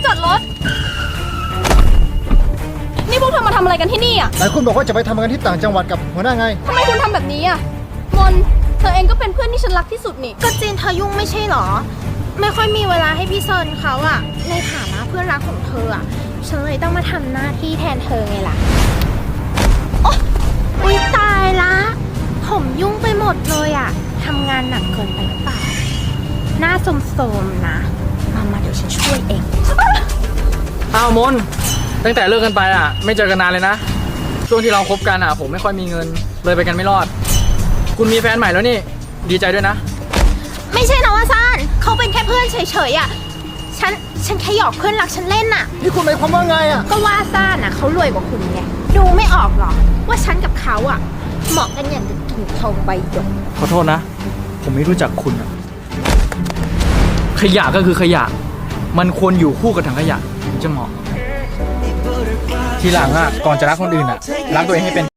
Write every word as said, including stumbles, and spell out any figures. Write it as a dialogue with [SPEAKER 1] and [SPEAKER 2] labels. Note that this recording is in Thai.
[SPEAKER 1] จอดรถนี่พวกเธอมาทำอะไรกันที่นี่อ่ะ
[SPEAKER 2] ไหนคุณบอกว่าจะไปทำงานที่ต่างจังหวัดกับหัวหน้าไง
[SPEAKER 1] ทำไมคุณทำแบบนี้อ่ะมนเธอเองก็เป็นเพื่อนที่ฉันรักที่สุดนี่
[SPEAKER 3] ก็จีนเธอยุ่งไม่ใช่หรอไม่ค่อยมีเวลาให้พี่เซินเขาอะในฐานะเพื่อนรักของเธออะฉันเลยต้องมาทำหน้าที่แทนเธอไงล่ะโอ๊ยตายละผมยุ่งไปหมดเลยอะทำงานหนักเกินไปหรือเปล่าหน้าโสมๆนะมามาเดี๋ยวฉันช่วยเอง
[SPEAKER 4] อ้าวมนตั้งแต่เลิกกันไปอ่ะไม่เจอกันนานเลยนะช่วงที่เราคบกันอ่ะผมไม่ค่อยมีเงินเลยไปกันไม่รอดคุณมีแฟนใหม่แล้วนี่ดีใจด้วยนะ
[SPEAKER 3] ไม่ใช่นะว่าซ่านเขาเป็นแค่เพื่อนเฉยๆอ่ะฉันฉันแค่หยอกเพื่อนรักฉันเล่นน่ะ
[SPEAKER 2] นี่คุณหมายความว่าไงอ่ะ
[SPEAKER 3] ก็ว่าซ่านอ่ะเขารวยกว่าคุณไงดูไม่ออกหรอว่าฉันกับเขาอ่ะเหมาะกันอย่างกับกิ่งทองใบหยก
[SPEAKER 4] ขอโทษนะผมไม่รู้จักคุณอ่ะขยะก็คือขยะมันควรอยู่คู่กับถังขยะถึงจะเหมาะทีหลังอ่ะก่อนจะรักคนอื่นอ่ะรักตัวเองให้เป็น